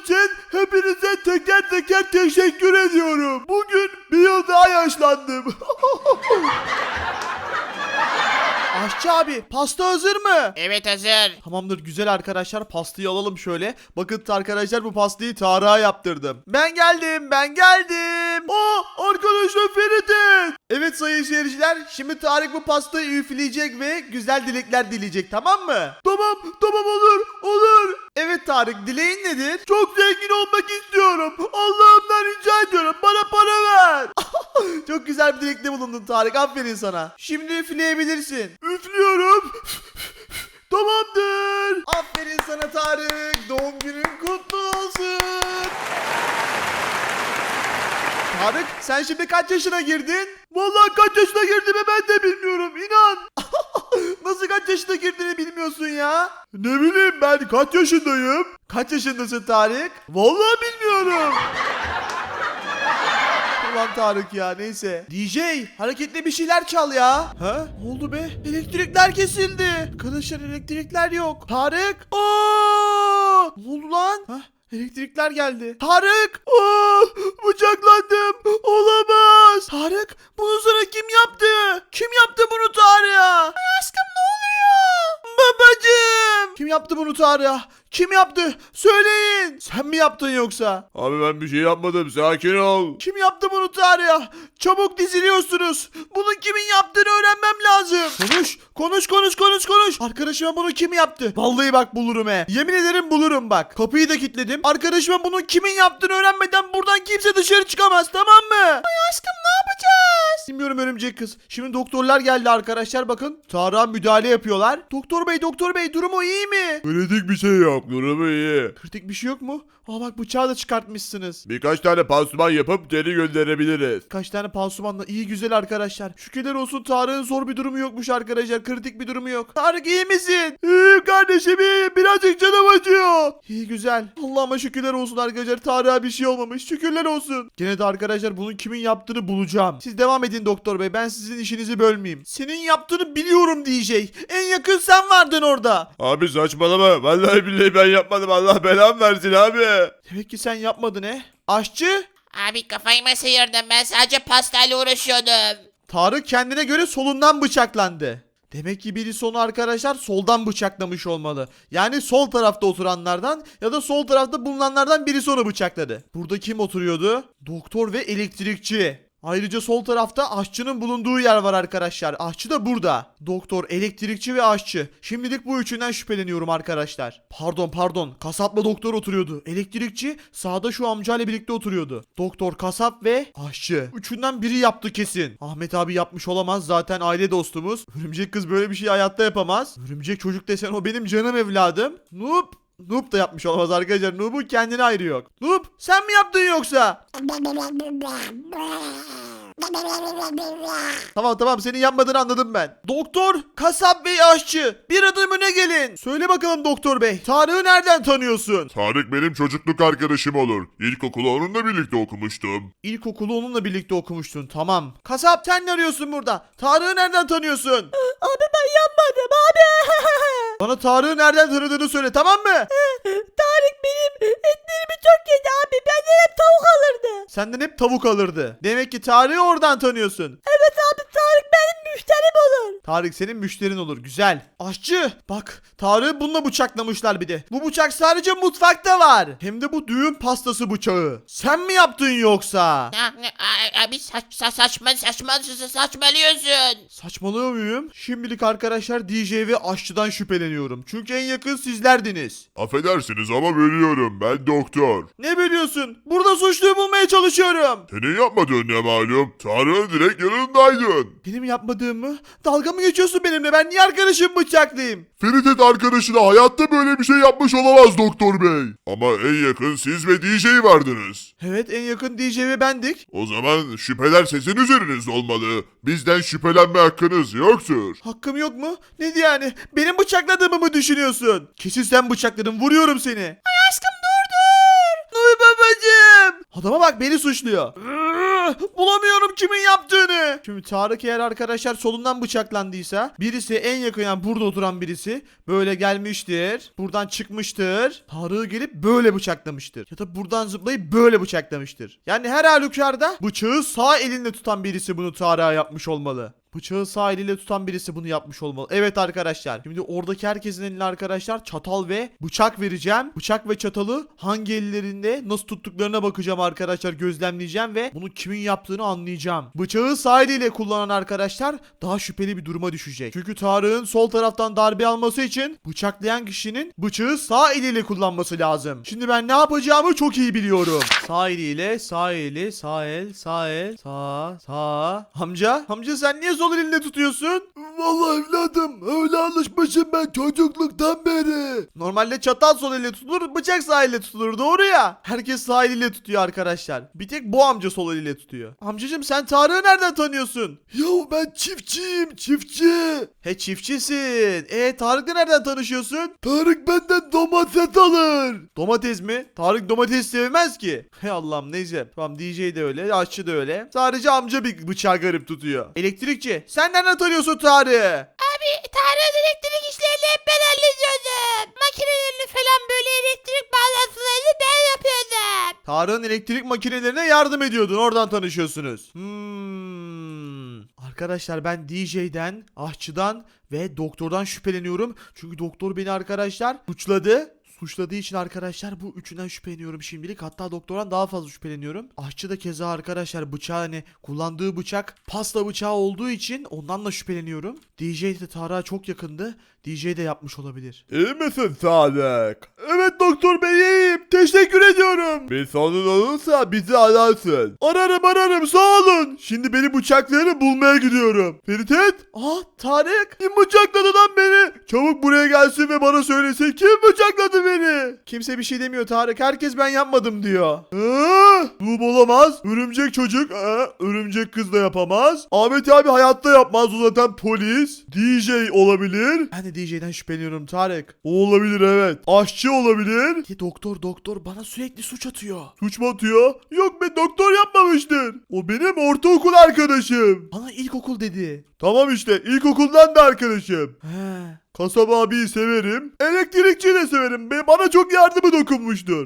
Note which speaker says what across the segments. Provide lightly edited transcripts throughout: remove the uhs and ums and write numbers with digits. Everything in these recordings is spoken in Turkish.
Speaker 1: için hepinize teker teker teşekkür ediyorum. Bugün bir yıl daha yaşlandım. Aşçı abi, pasta hazır mı?
Speaker 2: Evet, hazır.
Speaker 1: Tamamdır, güzel arkadaşlar, pastayı alalım şöyle. Bakın arkadaşlar, bu pastayı Tarık'a yaptırdım. Ben geldim. Arkadaşlar Ferit'in. Evet sayın seyirciler, şimdi Tarık bu pastayı üfleyecek ve güzel dilekler dileyecek, tamam mı? Tamam olur. Evet Tarık, dileğin nedir? Çok zengin olmak istiyorum. Allah'ımdan rica ediyorum, bana para ver. Çok güzel bir dilekte bulundun Tarık, aferin sana. Şimdi üfleyebilirsin. Üflüyorum. Tamamdır. Aferin sana Tarık. Doğum günün kutlu olsun. Tarık, sen şimdi kaç yaşına girdin? Vallahi kaç yaşına girdiğimi ben de bilmiyorum, inan. Nasıl kaç yaşına girdiğini bilmiyorsun ya? Ne bileyim ben, kaç yaşındayım? Kaç yaşındasın Tarık? Vallahi bilmiyorum. Ulan Tarık ya, neyse. DJ, hareketli bir şeyler çal ya. Ha? Ne oldu be? Elektrikler kesildi. Arkadaşlar, elektrikler yok. Tarık. Ne oldu lan? Ha? Elektrikler geldi. Tarık! Bıçaklandım. Olamaz. Tarık, bunu sana kim yaptı? Kim yaptı bunu Tarık'a? Ay aşkım, ne oluyor? Babacığım. Kim yaptı bunu Tarık'a? Kim yaptı? Söyleyin. Sen mi yaptın yoksa?
Speaker 3: Abi ben bir şey yapmadım, sakin ol.
Speaker 1: Kim yaptı bunu Tarık'a? Çabuk diziliyorsunuz. Bunun kimin yaptığını öğrenmem lazım. Konuş. Arkadaşıma bunu kim yaptı? Vallahi bak bulurum he. Yemin ederim bulurum bak. Kapıyı da kilitledim. Arkadaşıma bunun kimin yaptığını öğrenmeden buradan kimse dışarı çıkamaz, tamam mı? Ay aşkım, ne yapacağız? Bilmiyorum örümcek kız. Şimdi doktorlar geldi arkadaşlar, bakın. Tarık'a müdahale yapıyorlar. Doktor bey durumu iyi mi?
Speaker 3: Kritik bir şey yok, durumu iyi.
Speaker 1: Kritik bir şey yok mu? Bak, bıçağı da çıkartmışsınız.
Speaker 3: Birkaç tane pansuman yapıp geri gönderebiliriz.
Speaker 1: Kaç tane pansumanla, iyi güzel arkadaşlar. Şükürler olsun, Tarık'ın zor bir durumu yokmuş arkadaşlar. Kritik bir durumu yok. Tarık, iyi misin? İyiyim kardeşim, iyiyim. Birazcık canım acıyor. İyi güzel. Allah'ıma şükürler olsun arkadaşlar. Tarık'a bir şey olmamış. Şükürler olsun. Gene de arkadaşlar bunun kimin yaptığını bulacağım. Siz devam edin doktor bey. Ben sizin işinizi bölmeyeyim. Senin yaptığını biliyorum DJ. En yakın sen vardın orada.
Speaker 3: Abi saçmalama, vallahi billahi ben yapmadım, Allah belamı versin abi.
Speaker 1: Demek ki sen yapmadın he. Aşçı.
Speaker 2: Abi kafayı mı sıyırdın? Ben sadece pastayla uğraşıyordum.
Speaker 1: Tarık kendine göre solundan bıçaklandı. Demek ki birisi onu arkadaşlar soldan bıçaklamış olmalı. Yani sol tarafta oturanlardan ya da sol tarafta bulunanlardan birisi onu bıçakladı. Burada kim oturuyordu? Doktor ve elektrikçi. Ayrıca sol tarafta aşçının bulunduğu yer var arkadaşlar. Aşçı da burada. Doktor, elektrikçi ve aşçı. Şimdilik bu üçünden şüpheleniyorum arkadaşlar. Pardon. Kasapla doktor oturuyordu. Elektrikçi sağda şu amcayla birlikte oturuyordu. Doktor, kasap ve aşçı. Üçünden biri yaptı kesin. Ahmet abi yapmış olamaz. Zaten aile dostumuz. Örümcek kız böyle bir şey hayatta yapamaz. Örümcek çocuk desen o benim canım evladım. Noob da yapmış olamaz arkadaşlar. Noob'un kendine ayrı yok. Noob, sen mi yaptın yoksa? Tamam, senin yapmadığını anladım ben. Doktor, kasap ve aşçı, bir adım öne gelin. Söyle bakalım doktor bey, Tarık'ı nereden tanıyorsun?
Speaker 3: Tarık benim çocukluk arkadaşım olur. İlkokulu onunla birlikte okumuştum.
Speaker 1: İlkokulu onunla birlikte okumuştun, tamam. Kasap, sen ne arıyorsun burada? Tarık'ı nereden tanıyorsun?
Speaker 4: Abi ben yapmadım abi.
Speaker 1: Bana Tarık'ı nereden tanıdığını söyle, tamam mı?
Speaker 4: Tarık benim etlerimi çok yedi abi. Benden hep tavuk alırdı.
Speaker 1: Senden hep tavuk alırdı. Demek ki Tarık'ı oradan tanıyorsun.
Speaker 4: Evet abi, Tarık benim müşterim olur.
Speaker 1: Tarık senin müşterin olur, güzel. Aşçı, bak Tarık'ı bununla bıçaklamışlar bir de. Bu bıçak sadece mutfakta var. Hem de bu düğün pastası bıçağı. Sen mi yaptın yoksa?
Speaker 2: Abi saçmalıyorsun.
Speaker 1: Saçmalıyor muyum? Şimdilik arkadaşlar DJ ve aşçıdan şüpheleniyorum. Çünkü en yakın sizlerdiniz.
Speaker 3: Affedersiniz ama bölüyorum, ben doktor.
Speaker 1: Ne biliyorsun? Burada suçluyu bulmaya çalışıyorum.
Speaker 3: Senin yapmadığın ne malum? Tarık'ın direkt yanındaydın.
Speaker 1: Benim yapmadığım mı? Dalga mı geçiyorsun benimle? Ben niye arkadaşımı bıçaklayayım?
Speaker 3: Feritet arkadaşı da hayatta böyle bir şey yapmış olamaz doktor bey. Ama en yakın siz ve DJ vardınız.
Speaker 1: Evet, en yakın DJ ve bendik.
Speaker 3: O zaman şüpheler sizin üzerinizde olmalı. Bizden şüphelenme hakkınız yoktur.
Speaker 1: Hakkım yok mu? Ne diye yani? Benim bıçakladığımı mı düşünüyorsun? Kesin sen bıçakladın, vuruyorum seni. Ay aşkım, dur. Nuy babacığım. Adama bak, beni suçluyor. Bulamıyorum kimin yaptığını. Şimdi Tarık eğer arkadaşlar solundan bıçaklandıysa birisi en yakın yani burada oturan birisi böyle gelmiştir. Buradan çıkmıştır. Tarık'ı gelip böyle bıçaklamıştır. Ya da buradan zıplayıp böyle bıçaklamıştır. Yani her halükarda bıçağı sağ elinde tutan birisi bunu Tarık'a yapmış olmalı. Bıçağı sağ eliyle tutan birisi bunu yapmış olmalı. Evet arkadaşlar. Şimdi oradaki herkesin eline arkadaşlar çatal ve bıçak vereceğim. Bıçak ve çatalı hangi ellerinde nasıl tuttuklarına bakacağım arkadaşlar. Gözlemleyeceğim ve bunu kimin yaptığını anlayacağım. Bıçağı sağ eliyle kullanan arkadaşlar daha şüpheli bir duruma düşecek. Çünkü Tarık'ın sol taraftan darbe alması için bıçaklayan kişinin bıçağı sağ eliyle kullanması lazım. Şimdi ben ne yapacağımı çok iyi biliyorum. Sağ eliyle sağ eli sağ el sağ el sağ. Amca sen niye sol elinde tutuyorsun? Vallahi evladım öyle alışmışım ben çocukluktan beri. Normalde çatal sol elle tutulur, bıçak sağ elle tutulur, doğru ya. Herkes sağ eliyle tutuyor arkadaşlar. Bir tek bu amca sol eliyle tutuyor. Amcacım sen Tarık'ı nereden tanıyorsun? Yahu ben çiftçiyim, çiftçi. He çiftçisin. Tarık'la nereden tanışıyorsun? Tarık benden domates alır. Domates mi? Tarık domates sevmez ki. He Allah'ım neyse. Tamam DJ de öyle, aşçı da öyle. Sadece amca bir bıçağı garip tutuyor. Elektrikçi sen nereden tanıyorsun Tarık'ı?
Speaker 2: Abi Tarık'ın elektrik işlerini hep ben hallediyordum. Makinelerini falan böyle elektrik bağlantılarını ben yapıyordum.
Speaker 1: Tarık'ın elektrik makinelerine yardım ediyordun. Oradan tanışıyorsunuz. Arkadaşlar ben DJ'den, aşçıdan ve doktordan şüpheleniyorum. Çünkü doktor beni arkadaşlar suçladığı için arkadaşlar bu üçünden şüpheleniyorum şimdilik. Hatta doktordan daha fazla şüpheleniyorum. Aşçı da keza arkadaşlar bıçağı hani kullandığı bıçak pasta bıçağı olduğu için ondan da şüpheleniyorum. DJ de Tarık'a çok yakındı. DJ de yapmış olabilir. İyi misin Tarık? Evet doktor bey iyiyim. Teşekkür ediyorum. Bir sorun olursa bizi ararsın. Ararım sağ olun. Şimdi beni bıçaklayanı bulmaya gidiyorum. Ferit. Tarık. Kim bıçakladı lan beni? Çabuk buraya gelsin ve bana söylesin kim bıçakladı beni? Kimse bir şey demiyor Tarık. Herkes ben yapmadım diyor. Bu olamaz. Örümcek çocuk. Örümcek kız da yapamaz. Ahmet abi hayatta yapmaz. O zaten polis. DJ olabilir. Ben de DJ'den şüpheleniyorum Tarık. O olabilir evet. Aşçı olabilir. Doktor bana sürekli suç atıyor. Suç mu atıyor? Yok be doktor yapmamıştır. O benim ortaokul arkadaşım. Bana ilkokul dedi. Tamam işte ilkokuldan da arkadaşım. Kasap abiyi severim. Elektrikçi de severim. Bana çok yardımı dokunmuştur.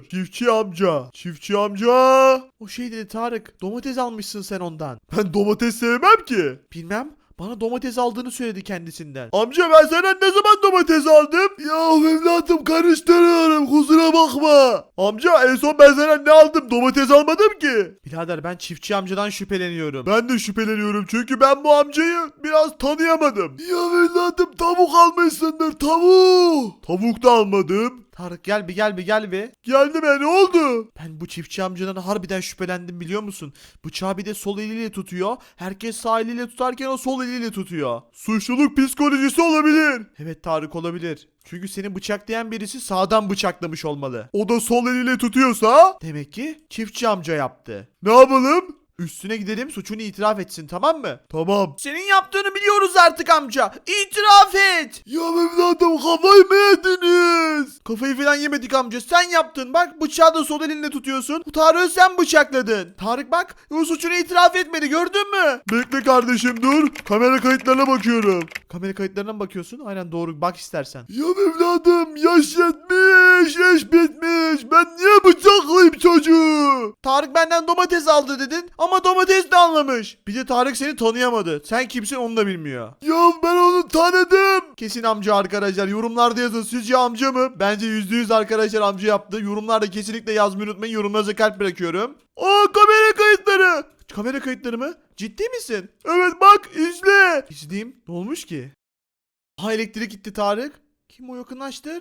Speaker 1: Çiftçi amca. O şey dedi Tarık. Domates almışsın sen ondan. Ben domates sevmem ki. Bilmem. Bana domates aldığını söyledi kendisinden. Amca ben senden ne zaman domates aldım? Ya evladım karıştırıyorum kusura bakma. Amca en son ben senden ne aldım? Domates almadım ki. Birader ben çiftçi amcadan şüpheleniyorum. Ben de şüpheleniyorum çünkü ben bu amcayı biraz tanıyamadım. Ya evladım tavuk almışsındır tavuk. Tavuk da almadım. Tarık gel bir. Geldim ne oldu? Ben bu çiftçi amcadan harbiden şüphelendim biliyor musun? Bıçağı bir de sol eliyle tutuyor. Herkes sağ eliyle tutarken o sol eliyle tutuyor. Suçluluk psikolojisi olabilir. Evet Tarık olabilir. Çünkü seni bıçaklayan birisi sağdan bıçaklamış olmalı. O da sol eliyle tutuyorsa demek ki çiftçi amca yaptı. Ne yapalım? Üstüne gidelim suçunu itiraf etsin tamam mı? Tamam. Senin yaptığını biliyoruz artık amca. İtiraf et. Ya evladım kafayı mı yediniz? Kafayı falan yemedik amca. Sen yaptın. Bak bıçağı da sol elinle tutuyorsun. Bu Tarık'ı sen bıçakladın. Tarık bak o suçunu itiraf etmedi gördün mü? Bekle kardeşim dur. Kamera kayıtlarına bakıyorum. Kamera kayıtlarına mı bakıyorsun? Aynen doğru bak istersen. Ya evladım yaş yetmiş. Yaş bitmiş. Ben niye bıçaklayayım çocuğu? Tarık benden domates aldı dedin. Ama domates de anlamış. Bir de Tarık seni tanıyamadı. Sen kimsin onu da bilmiyor. Ya ben onu tanıdım. Kesin amca arkadaşlar. Yorumlarda yazın. Sizce amca mı? Bence %100 arkadaşlar amca yaptı. Yorumlarda kesinlikle yazmayı unutmayın. Yorumlarınıza kalp bırakıyorum. Kamera kayıtları. Kamera kayıtları mı? Ciddi misin? Evet bak izle. İzleyeyim. Ne olmuş ki? Elektrik gitti Tarık. Kim o yakınlaştır?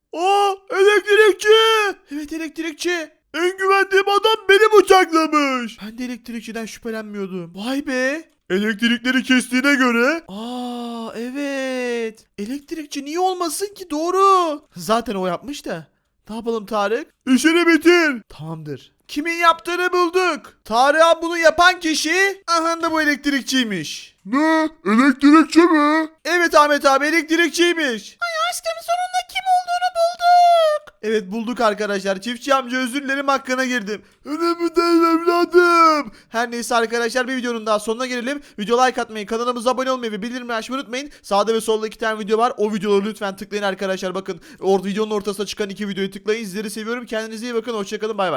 Speaker 1: Elektrikçi. Evet elektrikçi. En güvendiğim adam beni bıçaklamış. Ben de elektrikçiden şüphelenmiyordum. Vay be. Elektrikleri kestiğine göre. Evet. Elektrikçi niye olmasın ki doğru. Zaten o yapmış da. Ne yapalım Tarık? İşini bitir. Tamamdır. Kimin yaptığını bulduk. Tarık'a bunu yapan kişi aha da bu elektrikçiymiş. Ne? Elektrikçi mi? Evet Ahmet abi elektrikçiymiş.
Speaker 2: Ay aşkım sonunda kim olduğunu bulduk.
Speaker 1: Evet bulduk arkadaşlar. Çiftçi amca özür dilerim hakkına girdim. Önemli değil evladım. Her neyse arkadaşlar bir videonun daha sonuna gelelim. Video like atmayı, kanalımıza abone olmayı ve bildirimleri açmayı unutmayın. Sağda ve solda 2 tane video var. O videoları lütfen tıklayın arkadaşlar. Bakın videonun ortasına çıkan 2 videoyu tıklayın. Sizleri seviyorum. Kendinize iyi bakın. Hoşçakalın. Bay bay.